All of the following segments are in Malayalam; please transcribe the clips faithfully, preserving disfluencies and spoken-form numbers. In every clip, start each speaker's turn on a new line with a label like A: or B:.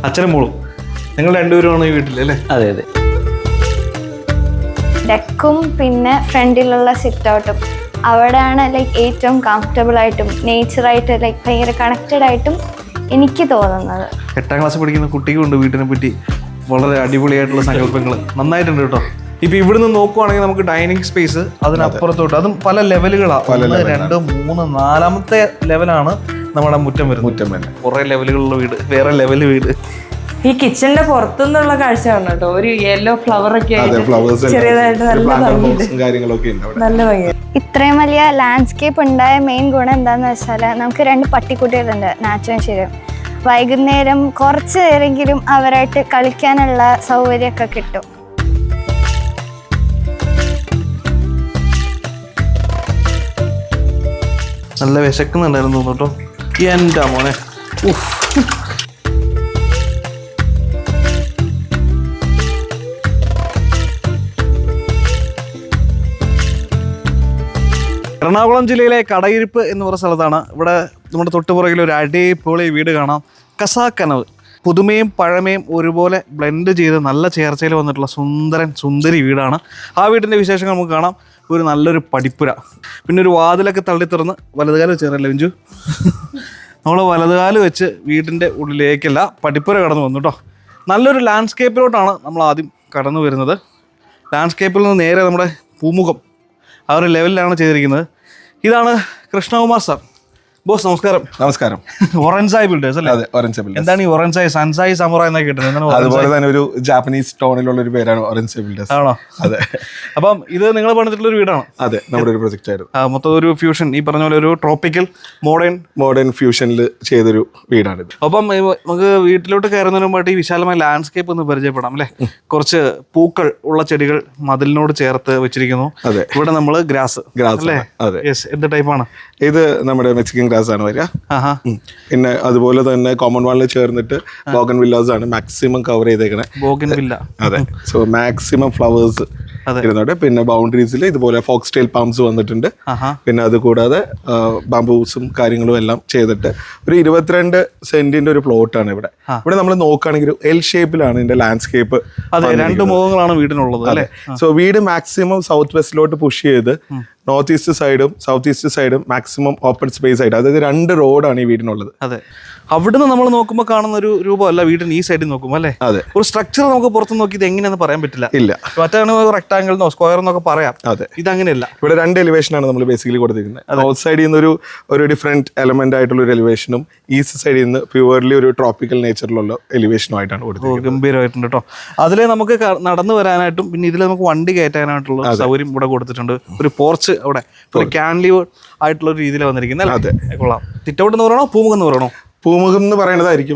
A: അച്ഛനും മോളും നിങ്ങൾ രണ്ടുപേരുമാണ് ഈ വീട്ടിൽ അല്ലേ?
B: അതെ അതെ.
C: ഡെക്കും പിന്നെ ഫ്രണ്ടിലുള്ള സിറ്റ് ഔട്ടും അവിടെയാണ് ലൈക്ക് ഏറ്റവും കംഫർട്ടബിൾ ആയിട്ടും നേച്ചറായിട്ട് ലൈക്ക് ഭയങ്കര കണക്റ്റഡ് ആയിട്ടും എനിക്ക് തോന്നുന്നത്.
A: എട്ടാം ക്ലാസ് പഠിക്കുന്ന കുട്ടിക്കുണ്ട് വീട്ടിനെ പറ്റി വളരെ അടിപൊളിയായിട്ടുള്ള സങ്കല്പങ്ങൾ. നന്നായിട്ടുണ്ട് കേട്ടോ. ഇപ്പൊ ഇവിടുന്ന് നോക്കുവാണെങ്കിൽ നമുക്ക് ഡൈനിങ് സ്പേസ്, അതിനപ്പുറത്തോട്ട് അതും പല ലെവലുകളാണ്. ഒന്ന് രണ്ട് മൂന്ന് നാലാമത്തെ ലെവലാണ് നമ്മുടെ മുറ്റം വരുന്നത്. മുറ്റം തന്നെ കുറെ ലെവലുകളുള്ള വീട്, വേറെ ലെവല് വീട്.
D: ഈ കിച്ചണിന്റെ പുറത്തുനിന്നുള്ള കാഴ്ച ആണ് കേട്ടോ. ഒരു യെല്ലോ ഫ്ലവർ ഒക്കെ ചെറിയതായിട്ട് നല്ല ഭംഗി.
C: ഇത്രയും വലിയ ലാൻഡ്സ്കേപ്പ് ഉണ്ടായ മെയിൻ ഗുണം എന്താന്ന് വെച്ചാൽ നമുക്ക് രണ്ട് പട്ടിക്കുട്ടികളുണ്ട്, നാച്ചുവും ശരിയും. വൈകുന്നേരം കുറച്ച് നേരെങ്കിലും അവരായിട്ട് കളിക്കാനുള്ള സൗകര്യമൊക്കെ കിട്ടും.
A: നല്ല വിശക്കുന്നുണ്ടായിരുന്നു കേട്ടോ. എൻ്റെ മോനെ, എറണാകുളം ജില്ലയിലെ കടയിരിപ്പ് എന്ന് പറയുന്ന സ്ഥലത്താണ്. ഇവിടെ നമ്മുടെ തൊട്ടുപുറകിൽ ഒരു അടിപൊളി വീട് കാണാം. കസാക്കനവ്. പുതുമയും പഴമയും ഒരുപോലെ ബ്ലെൻഡ് ചെയ്ത് നല്ല ചേർച്ചയിൽ വന്നിട്ടുള്ള സുന്ദരൻ സുന്ദരി വീടാണ്. ആ വീടിൻ്റെ വിശേഷങ്ങൾ നമുക്ക് കാണാം. ഒരു നല്ലൊരു പടിപ്പുര, പിന്നെ ഒരു വാതിലൊക്കെ തള്ളി തുറന്ന് വലതുകാലം വെച്ചേറല്ലേ ബിഞ്ചു? നമ്മൾ വലതുകാലം വെച്ച് വീടിൻ്റെ ഉള്ളിലേക്കല്ല പടിപ്പുര കടന്നു വന്നു കേട്ടോ. നല്ലൊരു ലാൻഡ്സ്കേപ്പിലോട്ടാണ് നമ്മൾ ആദ്യം കടന്നു വരുന്നത്. ലാൻഡ്സ്കേപ്പിൽ നിന്ന് നേരെ നമ്മുടെ പൂമുഖം ആ ഒരു ലെവലിലാണ് ചെയ്തിരിക്കുന്നത്. ഇതാണ് കൃഷ്ണകുമാർ സാർ. ബോസ് നമസ്കാരം.
E: നമസ്കാരം.
A: ഒറൻസായി ബിൽഡേഴ്സ് അല്ലേ?
E: അതെ, ഒറൻസായി ബിൽഡേഴ്സ്.
A: എന്താണ് ഈ ഒറൻസായി? സൻസായി സമുറ എന്നൊക്കെ കിട്ടുന്നത്.
E: അതുപോലെ തന്നെ ഒരു ജാപ്പനീസ് ടോണിലുള്ള ഒരു പേരാണ് ഒറൻസായി ബിൽഡേഴ്സ്.
A: ആണോ?
E: അതെ.
A: അപ്പം ഇത് നിങ്ങൾ പണിതിട്ടുള്ള ഒരു വീടാണ്?
E: അതെ, നമ്മുടെ ഒരു പ്രൊജക്റ്റ് ആയിരുന്നു.
A: മൊത്തം ഒരു ഫ്യൂഷൻ, ഈ പറഞ്ഞ പോലെ ഒരു ട്രോപ്പിക്കൽ മോഡേൺ
E: മോഡേൺ ഫ്യൂഷനിൽ ചെയ്തൊരു വീടാണിത്.
A: അപ്പം നമുക്ക് വീട്ടിലോട്ട് കയറുന്നതിന് മുമ്പായിട്ട് ഈ വിശാലമായ ലാൻഡ്സ്കേപ്പ് ഒന്ന് പരിചയപ്പെടാം അല്ലേ? കുറച്ച് പൂക്കൾ ഉള്ള ചെടികൾ മതിലിനോട് ചേർത്ത് വെച്ചിരിക്കുന്നു.
E: അതെ.
A: ഇവിടെ നമ്മൾ ഗ്രാസ്
E: ഗ്രാസ്
A: അല്ലേ?
E: അതെ.
A: യെസ്. എന്ത് ടൈപ്പാണ്
E: ഇത്? നമ്മുടെ മെക്സിക്കൻ ഗ്രാസ് ആണ് വരിക. പിന്നെ അതുപോലെ തന്നെ കോമൺ വാളിൽ ചേർന്നിട്ട് ബോഗൻ വില്ലാസ് ആണ് മാക്സിമം കവർ ചെയ്തേക്കണേ.
A: Bougainvillea.
E: അതെ. സോ മാക്സിമം ഫ്ലവേഴ്സ് ഇരുന്നോട്ടെ. പിന്നെ ബൗണ്ടറീസിൽ ഇതുപോലെ ഫോക്സ് ടെയിൽ പാംസ് വന്നിട്ടുണ്ട്. പിന്നെ അത് കൂടാതെ ബാംബൂസും കാര്യങ്ങളും എല്ലാം ചെയ്തിട്ട് ഒരു ഇരുപത്തിരണ്ട് സെന്റിന്റെ ഒരു പ്ലോട്ടാണ് ഇവിടെ. ഇവിടെ നമ്മൾ നോക്കുകയാണെങ്കിൽ എൽ ഷേപ്പിലാണ് ഇതിന്റെ ലാൻഡ്സ്കേപ്പ്.
A: അതെ, രണ്ട് മുഖങ്ങളാണ് വീടിനുള്ളത് അല്ലേ?
E: സോ വീട് മാക്സിമം സൗത്ത് വെസ്റ്റിലോട്ട് പുഷ് ചെയ്ത് നോർത്ത് ഈസ്റ്റ് സൈഡും സൗത്ത് ഈസ്റ്റ് സൈഡും മാക്സിമം ഓപ്പൺ സ്പേസ് ആയിട്ട്, അതായത് രണ്ട് റോഡാണ് ഈ വീടിനുള്ളത്.
A: അതെ. അവിടുന്ന് നമ്മൾ നോക്കുമ്പോൾ കാണുന്ന ഒരു രൂപമല്ല വീടിന് ഈ സൈഡിൽ നോക്കുമ്പോൾ അല്ലേ?
E: അതെ.
A: ഒരു സ്ട്രക്ചർ നമുക്ക് പുറത്ത് നോക്കി ഇത് എങ്ങനെയാണെന്ന് പറയാൻ പറ്റില്ല.
E: ഇല്ല.
A: മറ്റാണ് റെക്ടാങ്കിൾ എന്നോ സ്ക്വയർ എന്നൊക്കെ പറയാം.
E: അതെ.
A: ഇതങ്ങനെയല്ല.
E: ഇവിടെ രണ്ട് എലിവേഷനാണ് നമ്മൾ ബേസിക്കലി കൊടുത്തിരിക്കുന്നത്. നോർത്ത് സൈഡിൽ നിന്ന് ഒരു ഒരു ഡിഫറെന്റ് എലമെന്റ് ആയിട്ടുള്ള ഒരു എലിവേഷനും ഈസ്റ്റ് സൈഡിൽ നിന്ന് പ്യുവർലി ഒരു ട്രോപ്പിക്കൽ നേച്ചറിലുള്ള എലിവേഷനും ആയിട്ടാണ് കൊടുത്തിരിക്കുന്നത്.
A: ഗംഭീരമായിട്ടുണ്ട് കേട്ടോ. അതിലെ നമുക്ക് നടന്നു വരാനായിട്ടും പിന്നെ ഇതിൽ നമുക്ക് വണ്ടി കയറ്റാനായിട്ടുള്ള സൗകര്യം ഇവിടെ കൊടുത്തിട്ടുണ്ട്. ഒരു പോർച്ച് അവിടെ, ഒരു ക്യാൻലിവേർഡ് ആയിട്ടുള്ള ഒരു രീതിയിലാണ് വന്നിരിക്കുന്നത്. അതെ, കൊള്ളാം. സിറ്റൗട്ട് എന്ന് പറയണോ പൂമുഖം എന്ന് പറയണോ?
E: പൂമുഖം എന്ന് പറയുന്നതായിരിക്കും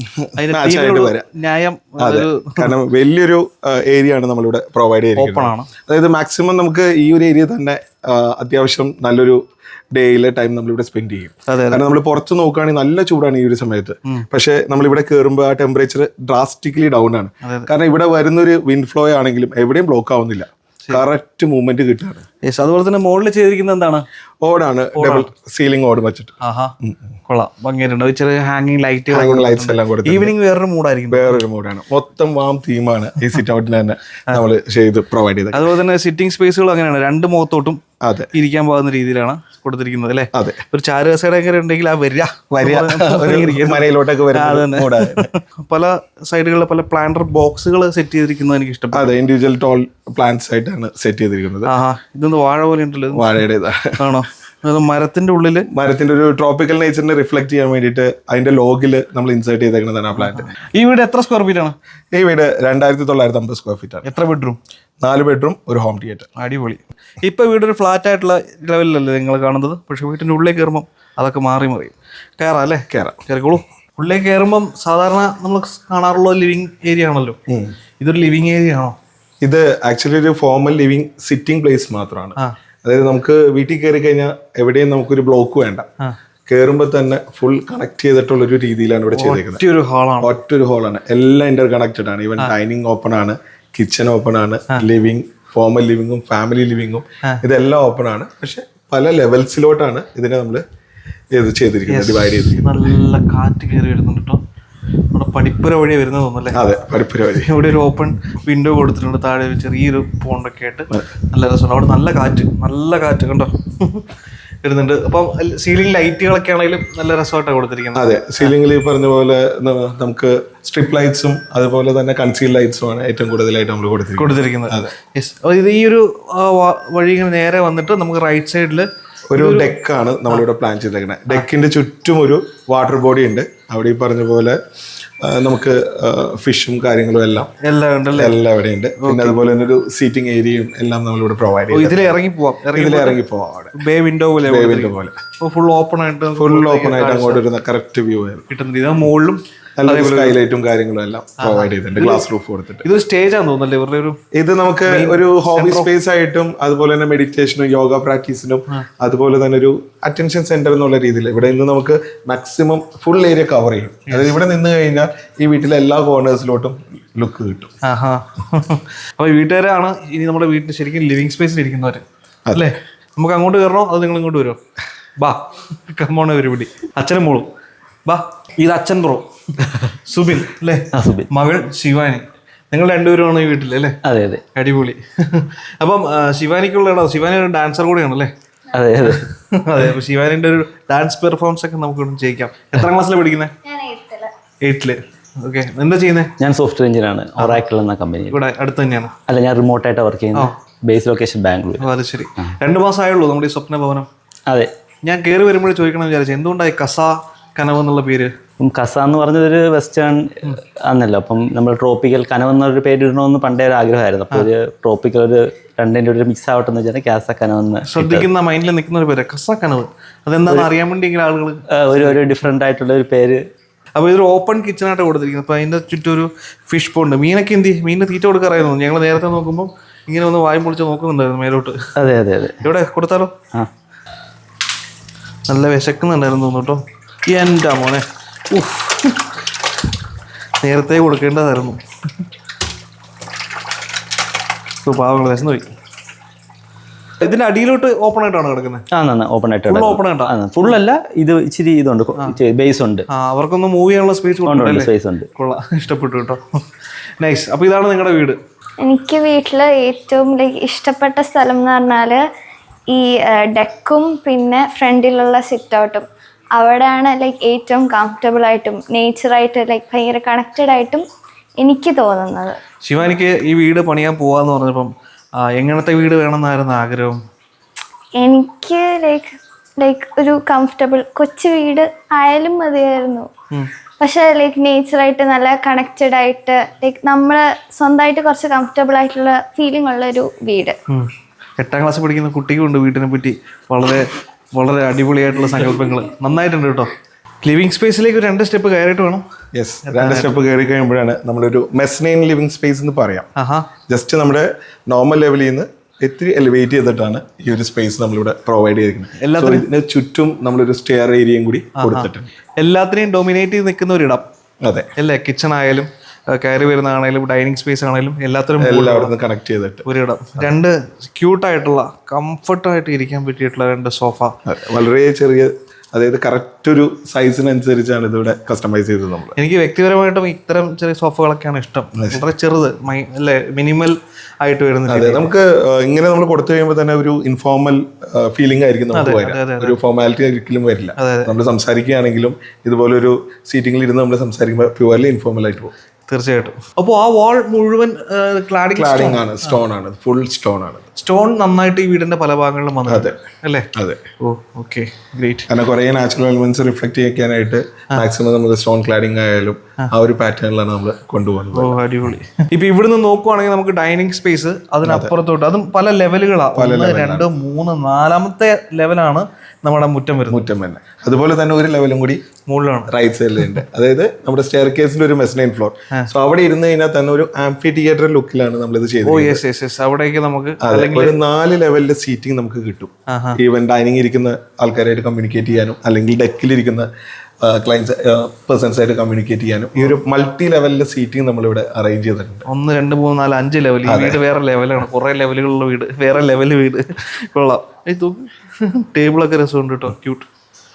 A: ന്യായം.
E: കാരണം വലിയൊരു ഏരിയ ആണ് നമ്മളിവിടെ പ്രൊവൈഡ് ചെയ്തിരിക്കുന്നത്. അതായത് മാക്സിമം നമുക്ക് ഈ ഒരു ഏരിയ തന്നെ അത്യാവശ്യം നല്ലൊരു ഡേയിലെ ടൈം നമ്മളിവിടെ സ്പെൻഡ് ചെയ്യും. കാരണം നമ്മൾ പുറത്ത് നോക്കുകയാണെങ്കിൽ നല്ല ചൂടാണ് ഈ ഒരു സമയത്ത്. പക്ഷെ നമ്മളിവിടെ കയറുമ്പോൾ ആ ടെമ്പറേച്ചർ ഡ്രാസ്റ്റിക്കലി ഡൗൺ ആണ്. കാരണം ഇവിടെ വരുന്നൊരു വിൻഡ് ഫ്ലോ ആണെങ്കിലും എവിടെയും ബ്ലോക്ക് ആവുന്നില്ല, കറക്റ്റ് മൂവ്മെന്റ് കിട്ടുകയാണ്.
A: അതുപോലെ തന്നെ മുകളിൽ ചെയ്തിരിക്കുന്നത് എന്താണ്?
E: ഓടാണ്, ഡബിൾ സീലിംഗ് ഓട് വെച്ചിട്ട്.
A: കൊള്ളാം, ഭംഗിയായിട്ടുണ്ട്. ചെറിയ ഹാങ്ങിങ് ലൈറ്റ്
E: ലൈറ്റ്സ് എല്ലാം കൊടുത്തു.
A: ഈവനിങ് വേറൊരു മൂഡായിരിക്കും.
E: വേറൊരു മൂഡാണ്. മൊത്തം വാം തീമാണ് ഈ സിറ്റ് ഔട്ടിന് തന്നെ നമ്മൾ ചെയ്ത് പ്രൊവൈഡ് ചെയ്തത്.
A: അതുപോലെ തന്നെ സിറ്റിംഗ് സ്പേസുകൾ അങ്ങനെയാണ്, രണ്ട് മുഖത്തോട്ടും
E: അതെ
A: ഇരിക്കാൻ പോകുന്ന രീതിയിലാണ് കൊടുത്തിരിക്കുന്നത് അല്ലേ?
E: അതെ.
A: ഒരു ചാരുകസേര ഉണ്ടെങ്കിൽ ആ വരിക
E: മനയിലോട്ടൊക്കെ
A: പല സൈഡുകളിൽ പല പ്ലാന്റർ ബോക്സുകൾ സെറ്റ് ചെയ്തിരിക്കുന്നത് എനിക്ക് ഇഷ്ടം.
E: അതെ, ഇൻഡിവിജ്വൽ ടോൾ പ്ലാന്റ്സ് ആയിട്ടാണ് സെറ്റ് ചെയ്തിരിക്കുന്നത്.
A: ഇതൊന്ന് വാഴ പോലെ ഉണ്ടല്ലോ.
E: വാഴയുടെ ആണോ?
A: മരത്തിന്റെ ഉള്ളില്
E: മരത്തിന്റെ ഒരു ട്രോപ്പിക്കൽ നേച്ചറിനെ റിഫ്ലക്ട് ചെയ്യാൻ വേണ്ടിയിട്ട് അതിന്റെ ലോഗില് നമ്മൾ ഇൻസേർട്ട് ചെയ്തേക്കുന്നതാണ് ആ പ്ലാന്റ്.
A: ഈ വീട് എത്ര സ്ക്വയർ ഫീറ്റ് ആണ്?
E: ഈ വീട് രണ്ടായിരത്തി തൊള്ളായിരത്തി അമ്പത് സ്ക്വയർ ഫീറ്റ് ആണ്.
A: എത്ര ബെഡ്റൂം?
E: നാല് ബെഡ്റൂം, ഒരു ഹോം തിയേറ്റർ.
A: അടിപൊളി. ഇപ്പൊ വീടൊരു ഫ്ലാറ്റ് ആയിട്ടുള്ള ലെവലിലല്ലേ നിങ്ങൾ കാണുന്നത്? പക്ഷെ വീട്ടിന്റെ ഉള്ളിൽ കയറുമ്പോൾ അതൊക്കെ മാറി മാറി കയറാം അല്ലേ?
E: കയറാം,
A: കയറിക്കോളൂ. ഉള്ളിൽ കയറുമ്പം സാധാരണ നമ്മൾ കാണാറുള്ള ലിവിങ് ഏരിയ ആണല്ലോ, ഇതൊരു ലിവിങ് ഏരിയ ആണോ?
E: ഇത് ആക്ച്വലി ഒരു ഫോർമൽ ലിവിങ് സിറ്റിംഗ് പ്ലേസ് മാത്രമാണ്. അതായത് നമുക്ക് വീട്ടിൽ കയറി കഴിഞ്ഞാൽ എവിടെയും നമുക്കൊരു ബ്ലോക്ക് വേണ്ട, കയറുമ്പോൾ തന്നെ ഫുൾ കണക്ട് ചെയ്തിട്ടുള്ള ഒരു രീതിയിലാണ് ഇവിടെ ചെയ്തേക്കുന്നത്. ഒറ്റൊരു ഹോളാണ്, എല്ലാം ഇന്റർ കണക്റ്റഡ് ആണ്. ഈവൻ ഡൈനിങ് ഓപ്പൺ ആണ്, കിച്ചൺ ഓപ്പൺ ആണ്, ലിവിങ് ഫോർമൽ ലിവിങ്ങും ഫാമിലി ലിവിങ്ങും ഇതെല്ലാം ഓപ്പൺ ആണ്. പക്ഷെ പല ലെവൽസിലോട്ടാണ് ഇതിനെ നമ്മൾ ഇത് ചെയ്തിരിക്കുന്നത്, ഡിവൈഡ് ചെയ്തിരിക്കുന്നത്.
A: നല്ല കാറ്റ് കയറി വരുന്നുണ്ട് കേട്ടോ. നമ്മുടെ പഠിപ്പുര വഴി വരുന്നത് തോന്നുന്നല്ലേ?
E: അതെ, പഠിപ്പുര വഴി.
A: ഇവിടെ ഒരു ഓപ്പൺ വിൻഡോ കൊടുത്തിട്ടുണ്ട്, താഴെ ഒരു ചെറിയൊരു പോണ്ടൊക്കെ ആയിട്ട് നല്ല രസമുണ്ട്. അവിടെ നല്ല കാറ്റ്, നല്ല കാറ്റ് കണ്ടോ വരുന്നുണ്ട്. അപ്പം സീലിംഗ് ലൈറ്റുകളൊക്കെ ആണെങ്കിലും നല്ല രസമായിട്ടാണ് കൊടുത്തിരിക്കുന്നത്.
E: അതെ, സീലിംഗിൽ ഈ പറഞ്ഞ പോലെ നമുക്ക് സ്ട്രിപ്പ് ലൈറ്റ്സും അതുപോലെ തന്നെ കൺസീൽ ലൈറ്റ്സും ആണ് ഏറ്റവും കൂടുതലായിട്ട് നമ്മൾ
A: കൊടുത്തിരിക്കുന്നത്. യെസ്. അപ്പോൾ ഇത് ഈ ഒരു വഴി ഇങ്ങനെ നേരെ വന്നിട്ട് നമുക്ക് റൈറ്റ് സൈഡിൽ
E: ഒരു ഡെക്കാണ് നമ്മളിവിടെ പ്ലാൻ ചെയ്തേക്കുന്നത്. ഡെക്കിന്റെ ചുറ്റും ഒരു വാട്ടർ ബോഡി ഉണ്ട്. അവിടെ ഈ പറഞ്ഞ പോലെ നമുക്ക് ഫിഷും കാര്യങ്ങളും എല്ലാം
A: എല്ലാം ഉണ്ടല്ലേ?
E: എല്ലാം ഇവിടെ ഉണ്ട്. പിന്നെ അതുപോലെ തന്നെ ഒരു സീറ്റിംഗ് ഏരിയയും എല്ലാം നമ്മളിവിടെ പ്രൊവൈഡ് ചെയ്യും.
A: ഇതിൽ ഇറങ്ങി പോവാം,
E: ഇതിൽ ഇറങ്ങി പോവാം. അവിടെ
A: ബേ വിൻഡോ പോലെ
E: ബേ വിൻഡോ പോലെ
A: ഫുൾ ഓപ്പൺ ആയിട്ട്
E: ഫുൾ ഓപ്പൺ ആയിട്ട് അങ്ങോട്ട് ഒരു കറക്റ്റ് വ്യൂ
A: കിട്ടുന്നുണ്ട്. ഇത് മുകളിലും
E: സ്കൈലൈറ്റും കാര്യങ്ങളും എല്ലാം പ്രൊവൈഡ് ചെയ്തിട്ടുണ്ട്, ഗ്ലാസ് റൂഫ് കൊടുത്തിട്ട്.
A: ഇത് സ്റ്റേജ് ആണെന്ന് തോന്നുന്നല്ലേ ഇവരുടെ ഒരു?
E: ഇത് നമുക്ക് ഒരു ഹോബി സ്പേസ് ആയിട്ടും അതുപോലെ തന്നെ മെഡിറ്റേഷനും യോഗ പ്രാക്ടീസിനും അതുപോലെ തന്നെ ഒരു അറ്റൻഷൻ സെന്റർ എന്നുള്ള രീതിയിൽ ഇവിടെ നിന്ന് നമുക്ക് മാക്സിമം ഫുൾ ഏരിയ കവർ ചെയ്യും. അതായത് ഇവിടെ നിന്ന് കഴിഞ്ഞാൽ ഈ വീട്ടിലെ എല്ലാ കോർണേഴ്സിലോട്ടും ലുക്ക് കിട്ടും.
A: ആഹാ. അപ്പൊ വീട്ടുകാരാണ് ഇനി നമ്മുടെ വീട്ടിൽ ശരിക്കും ലിവിങ് സ്പേസിൽ ഇരിക്കുന്നവര് അല്ലേ? നമുക്ക് അങ്ങോട്ട് കയറണോ അത് നിങ്ങൾ ഇങ്ങോട്ട് വരുമോ? ബാ, കമ്മോണ പരിപാടി. അച്ഛനും മോളും ബാ. ഇത് അച്ഛൻ ബ്രോ സുബിൻ അല്ലേ? മകൾ ശിവാനി. നിങ്ങൾ രണ്ടുപേരുമാണ് ഈ വീട്ടിൽ അല്ലേ?
B: അതെ അതെ.
A: അടിപൊളി. അപ്പം ശിവാനിക്കുള്ള ശിവാനി ഒരു ഡാൻസർ കൂടെയാണല്ലേ?
B: അതെ അതെ
A: അതെ. അപ്പൊ ശിവാനിന്റെ ഒരു ഡാൻസ് പെർഫോമൻസ് ഒക്കെ നമുക്ക് ചെയ്യിക്കാം. എത്രാം ക്ലാസ്സിലാണ് പഠിക്കുന്നത്? എയ്റ്റില്. ഓക്കെ. എന്താ ചെയ്യുന്നത്?
B: ഞാൻ സോഫ്റ്റ്വെയർ എഞ്ചിനീയർ ആണ്, ഒറാക്കിൾ എന്ന കമ്പനി.
A: ഇവിടെ അടുത്ത് തന്നെയാണ്?
B: അല്ല, ഞാൻ റിമോട്ടായിട്ട് വർക്ക് ചെയ്യുന്നത്. Base location Bangalore.
A: അത് ശരി. രണ്ടു മാസം ആയുള്ളൂ നമ്മുടെ ഈ സ്വപ്ന ഭവനം?
B: അതെ.
A: ഞാൻ കയറി വരുമ്പോഴേ ചോദിക്കണം വിചാരിച്ചു, എന്തുകൊണ്ടായി കസ കനവ് എന്നുള്ള പേര്?
B: കസ എന്ന് പറഞ്ഞതൊരു വെസ്റ്റേൺ ആണല്ലോ. അപ്പം നമ്മൾ ട്രോപ്പിക്കൽ കനവ് എന്നൊരു പേര് ഇടണമെന്ന് പണ്ടേ ഒരു ആഗ്രഹമായിരുന്നു. അപ്പോൾ ഒരു ട്രോപ്പിക്കൽ ഒരു രണ്ടിൻ്റെ ഒരു മിക്സ് ആവട്ടെ എന്ന് വെച്ചാൽ കാസ കനവെന്ന്
A: ശ്രദ്ധിക്കുന്ന മൈൻഡിൽ നിൽക്കുന്ന ഒരു പേര് കസ കനവ്. അതെന്താണെന്ന് അറിയാൻ വേണ്ടി ആളുകൾ
B: ഒരു ഒരു ഡിഫറെൻ്റ് ആയിട്ടുള്ള ഒരു പേര്.
A: അപ്പോൾ ഇതൊരു ഓപ്പൺ കിച്ചണായിട്ട് കൊടുത്തിരിക്കുന്നത്. അപ്പോൾ അതിൻ്റെ ചുറ്റും ഒരു ഫിഷ് പോണ്ട്. മീനൊക്കെ എന്ത് ചെയ്യും? മീനിന് തീറ്റ കൊടുക്കാറായിരുന്നു. ഞങ്ങൾ നേരത്തെ നോക്കുമ്പോൾ ഇങ്ങനെ ഒന്ന് വായും പൊളിച്ച് നോക്കുന്നുണ്ടായിരുന്നു മേലോട്ട്.
B: അതെ അതെ അതെ.
A: ഇവിടെ കൊടുത്താലോ? ആ, നല്ല വിശക്കുന്നുണ്ടായിരുന്നു തോന്നുന്നു കേട്ടോ. എൻ്റെ മോനെ, ഉഫ്, നേരത്തെ കൊടുക്കേണ്ടതായിരുന്നു. പാവങ്ങൾ വിശന്ന് പോയി. ഇതിന്റെ അടിയിലോട്ട് ഓപ്പൺ ആയിട്ടാണ് കിടക്കുന്നത്?
B: ആ, ഓപ്പൺ ആയിട്ട്
A: ഓപ്പൺ ആയിട്ടാ?
B: ഫുൾ അല്ല, ഇത് ഇച്ചിരി ഇതുണ്ട്, ബേസ് ഉണ്ട്.
A: ആ, അവർക്കൊന്ന് മൂവ് ചെയ്യാനുള്ള സ്പേസ്
B: സ്പേസ് ഉണ്ട്.
A: കൊള്ളാം, ഇഷ്ടപ്പെട്ടു കേട്ടോ. നൈസ്. അപ്പോൾ ഇതാണ് നിങ്ങളുടെ വീട്?
C: എനിക്ക് വീട്ടിൽ ഏറ്റവും ലൈക്ക് ഇഷ്ടപ്പെട്ട സ്ഥലം എന്ന് പറഞ്ഞാൽ ഈ ഡെക്കും പിന്നെ ഫ്രണ്ടിലുള്ള സിറ്റ് ഔട്ടും. അവിടെയാണ് ലൈക്ക് ഏറ്റവും കംഫർട്ടബിൾ ആയിട്ടും നേച്ചറായിട്ട് ലൈക്ക് ഭയങ്കര കണക്റ്റഡ് ആയിട്ടും എനിക്ക് തോന്നുന്നത്.
A: ശിവാനിക്ക് ഈ വീട് പണിയാൻ പോവാന്ന് പറഞ്ഞപ്പം എങ്ങനത്തെ വീട് വേണമെന്നായിരുന്നു ആഗ്രഹം?
C: എനിക്ക് ലൈക്ക് ലൈക്ക് ഒരു കംഫർട്ടബിൾ കൊച്ചു വീട് ആയാലും മതിയായിരുന്നു. പക്ഷെ ലൈക്ക് നേച്ചറായിട്ട് നല്ല കണക്റ്റഡ് ആയിട്ട് ലൈക്ക് നമ്മൾ സ്വന്തമായിട്ട് കുറച്ച് കംഫർട്ടബിൾ ആയിട്ടുള്ള ഫീലിംഗ് ഉള്ള ഒരു വീട്.
A: എട്ടാം ക്ലാസ് പഠിക്കുന്ന കുട്ടിക്കുണ്ട് വീട്ടിനെ പറ്റി വളരെ വളരെ അടിപൊളിയായിട്ടുള്ള സങ്കല്പങ്ങൾ. നന്നായിട്ടുണ്ട് കേട്ടോ. ലിവിങ് സ്പേസിലേക്ക് രണ്ട് സ്റ്റെപ്പ് കയറിയിട്ട് വേണം.
E: യെസ്, രണ്ട് സ്റ്റെപ്പ് കയറി കഴിയുമ്പോഴാണ് നമ്മളൊരു മെസ്നൈൻ ലിവിങ് സ്പേസ് എന്ന് പറയാം. ജസ്റ്റ് നമ്മുടെ നോർമൽ ലെവലിൽ നിന്ന് ഇത്തിരി എലിവേറ്റ് ചെയ്തിട്ടാണ് ഈ ഒരു സ്പേസ് നമ്മളിവിടെ പ്രൊവൈഡ് ചെയ്തിരിക്കുന്നത്. എല്ലാത്തിനും ചുറ്റും നമ്മളൊരു സ്റ്റെയർ ഏരിയയും കൂടി കൊടുത്തിട്ടുണ്ട്.
A: എല്ലാത്തിനെയും ഡൊമിനേറ്റ് ചെയ്ത് നിൽക്കുന്ന ഒരിടം.
E: അതെ
A: അല്ലേ? കിച്ചൺ ആയാലും കയറി വരുന്നതാണേലും ഡൈനിങ് സ്പേസ് ആണെങ്കിലും എല്ലാത്തിനും
E: എല്ലാവരും കണക്ട് ചെയ്തിട്ട്
A: ഒരിടം. രണ്ട് ക്യൂട്ടായിട്ടുള്ള കംഫർട്ടായിട്ട് ഇരിക്കാൻ പറ്റിയിട്ടുള്ള രണ്ട് സോഫ.
E: വളരെ ചെറിയ, അതായത് കറക്റ്റ് ഒരു സൈസിനനുസരിച്ചാണ് ഇതിവിടെ കസ്റ്റമൈസ് ചെയ്തത് നമ്മൾ.
A: എനിക്ക് വ്യക്തിപരമായിട്ടും ഇത്തരം ചെറിയ സോഫകളൊക്കെയാണ് ഇഷ്ടം. വളരെ ചെറുത് അല്ലേ, മിനിമൽ ആയിട്ട് വരുന്നത്.
E: അതെ, നമുക്ക് ഇങ്ങനെ നമ്മൾ കൊടുത്തു കഴിയുമ്പോൾ തന്നെ ഒരു ഇൻഫോർമൽ ഫീലിംഗ് ആയിരിക്കും നമുക്ക് വരിക. ഒരു ഫോർമാലിറ്റി ഒരിക്കലും വരില്ല. നമ്മൾ സംസാരിക്കുകയാണെങ്കിലും ഇതുപോലെ ഒരു സീറ്റിംഗിൽ ഇരുന്ന് നമ്മൾ സംസാരിക്കുമ്പോൾ പ്യുവർലി ഇൻഫോർമൽ ആയിട്ട് പോകും.
A: തീർച്ചയായിട്ടും. അപ്പോൾ ആ വാൾ മുഴുവൻ ക്ലാഡിംഗ്
E: ക്ലാഡിംഗ് ആണ്, സ്റ്റോൺ ആണ്, ഫുൾ സ്റ്റോൺ ആണ്.
A: സ്റ്റോൺ നന്നായിട്ട് ഈ വീടിന്റെ പല ഭാഗങ്ങളിലും വന്നു.
E: അതെ
A: അല്ലേ?
E: അതെ.
A: Oh, okay, great.
E: കാരണം കുറേ നാച്ചുറൽ എലിമെന്റ്സ് റിഫ്ലക്ട് ചെയ്യാനായിട്ട് മാക്സിമം നമ്മൾ സ്റ്റോൺ ക്ലാഡിംഗ് ആയാലും ആ ഒരു പാറ്റേണിലാണ് നമ്മൾ കൊണ്ടുപോകുന്നത്.
A: ഓ, അടിപൊളി. ഇപ്പൊ ഇവിടുന്ന് നോക്കുവാണെങ്കിൽ നമുക്ക് ഡൈനിങ് സ്പേസ്, അതിനപ്പുറത്തോട്ട് അതും പല ലെവലുകളാണ്. ഒന്ന്, രണ്ട്, മൂന്ന്, നാലാമത്തെ ലെവലാണ് നമ്മുടെ മുറ്റം വരുന്നത്.
E: മുറ്റം തന്നെ. അതുപോലെ തന്നെ ഒരു ലെവലും കൂടി
A: മുകളിലാണ്,
E: റൈറ്റ് സൈഡിലുണ്ട്. അതായത് നമ്മുടെ സ്റ്റെയർ കേസിന്റെ ഒരു മെസ്നൈൻ ഫ്ലോർ. സോ അവിടെ ഇരുന്ന് കഴിഞ്ഞാൽ തന്നെ ഒരു ആംഫി തിയേറ്റർ ലുക്കിലാണ് നമ്മളിത് ചെയ്തത്.
A: Oh yes yes yes. അവിടേക്ക് നമുക്ക്
E: ഒരു നാല് ലെവലിലെ സീറ്റിംഗ് നമുക്ക് കിട്ടും. ഈവൻ ഡൈനിങ് ഇരിക്കുന്ന ആൾക്കാരായിട്ട് കമ്മ്യൂണിക്കേറ്റ് ചെയ്യാനും അല്ലെങ്കിൽ ഡെക്കിലിരിക്കുന്ന ക്ലയൻസ് പേഴ്സൺസ് ആയിട്ട് കമ്മ്യൂണിക്കേറ്റ് ചെയ്യാനും ഈ ഒരു മൾട്ടി ലെവലിലെ സീറ്റിംഗ് നമ്മളിവിടെ അറേഞ്ച് ചെയ്തിട്ടുണ്ട്.
A: ഒന്ന്, രണ്ട്, മൂന്ന്, നാല്, അഞ്ച് ലെവൽ. ഈ വീട് വേറെ ലെവലാണ്. കുറെ ലെവലുകളുള്ള വീട്, വേറെ ലെവൽ വീട്. കൊള്ളാം. ടേബിളൊക്കെ രസമുണ്ട് കേട്ടോ, ക്യൂട്ട്.